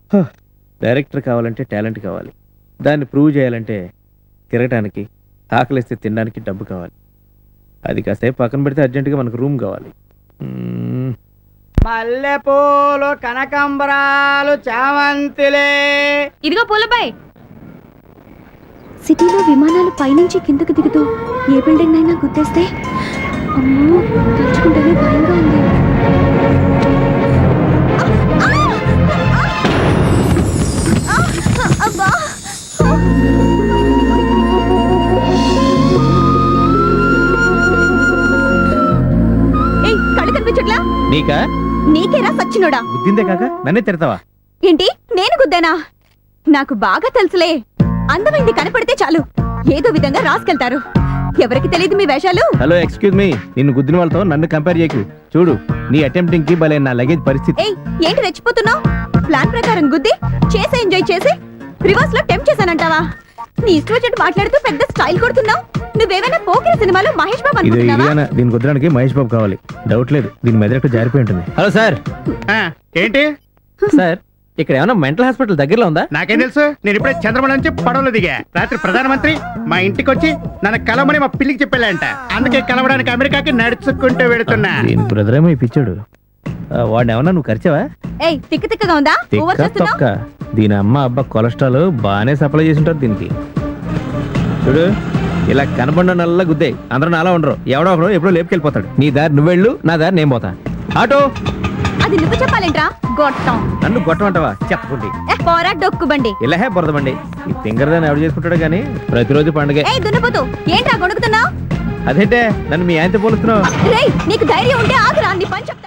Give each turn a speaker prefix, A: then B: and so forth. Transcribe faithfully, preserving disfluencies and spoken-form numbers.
A: Director కావాలంటే talent కావాలి, దాన్ని ప్రూవ్ చేయాలంటే తిరగటానికి, ఆకలిస్తే తినడానికి డబ్బు కావాలి. అది కాసేపు పక్కన పెడితే అర్జెంటుగా మనకు రూమ్ కావాలి. మ్మ్.
B: మల్లెపూలు, కనకాంబరాలు, చామంతిలే.
C: ఇదిగో పూలబాయ్. సిటీలో విమానాలు పైనుంచి కిందకు దిగుతూ ఏ బిల్డింగ్ అయినా గుద్దేస్తే అమ్మో, తలుచుకుంటేనే భయంగా ఉంది. ఏయ్, కళ్ళు కనిపించట్లా?
A: నీకా?
C: నీకేరా సచ్చినోడా?
A: గుద్దిందే కాక నన్నే తిడతావా?
C: ఏంటి, నేను గుద్దానా? నాకు బాగా తెలుసులే, అందమైంది కనపడితే చాలు ఏదో విధంగా రాసుకెళ్తారు. ఎవరికి తెలియదు మీ వేషాలు.
A: హలో, ఎక్స్క్యూజ్ మీ, నిన్ను గుద్దిన వాళ్ళతో నన్ను కంపేర్ చేయకు. చూడు, నీ అటెంప్టింగ్ కి భలే నా లగేజ్ పరిస్థితి.
C: ఏయ్, ఏంటి రెచ్చిపోతున్నావు? ప్లాన్ ప్రకారం గుద్ది చేసి ఎంజాయ్ చేసి రివర్స్ లో టెంప్ చేశానంటావా? నీ ఇష్టం వచ్చినట్టు మాట్లాడుతూ పెద్ద స్టైల్ కొడుతున్నావు. నువ్వేమైనా పోకిరి సినిమాలో మహేష్ బాబు
A: ఇది
C: అనుకుంటున్నావా?
A: ఇదేనా? దీని కుదరడానికి మహేష్ బాబు కావాలి, డౌట్ లేదు. దీని మెదడు జారిపోయి ఉంటుంది. Hello sir.
D: ఏంటి
A: సార్, ఇక్కడ ఏమైనా మెంటల్ హాస్పిటల్ దగ్గరలో ఉందా?
D: నాకేం తెలుసు, నేను ఇప్పుడే చంద్రమణ నుంచి పడవలో దిగా. రాత్రి ప్రధానమంత్రి మా ఇంటికి వచ్చి నన్ను కలవమని మా పిల్లికి చెప్పాడంట. అందుకే కలవడానికి అమెరికాకి నడుచుకుంటూ వెళుతున్నా.
A: దీని బ్రదర్ ఏమో ఇప్పించాడు. వాడిని ఏమన్నా నువ్వు ఖర్చవా?
C: ఏయ్, తిక్క తిక్కగా ఉందా? ఓవర్
A: తిక్క తొక్క.
C: చేస్తున్నావు.
A: దీని అమ్మ అబ్బా కొలెస్ట్రాల్ బాగానే సప్లై చేసి ఉంటారు దీనికి. చూడు, ఇలా కనబడిన నల్ల గుద్దే అందరూ నాలా ఉండరు. ఎవడో ఒకడు ఎప్పుడో లేపుకెళ్ళిపోతాడు. నీ దారి నువ్వెళ్ళు, నా దారి నేను పోతా. ఆటో.
C: అది నువ్వు చెప్పాలేంట్రా గొట్టం?
A: నన్ను కొట్టమంటావా? చెప్పకుండి.
C: ఏ పోరా డొక్కుబండి.
A: ఇలా హే బురదమండి. ఈ ఫింగర్ దాన్ని ఎవడు చేసుకుంటాడు కానీ ప్రతిరోజు పండుగ.
C: ఏయ్ దున్నపోతు, ఏంట్రా గొణుకుతున్నావు?
A: అదేంటే నన్ను మీ ఆయనతో పోలుస్తున్నావు?
C: రేయ్, నీకు ధైర్యం ఉంటే ఆగురా, నీ పని చెప్తా.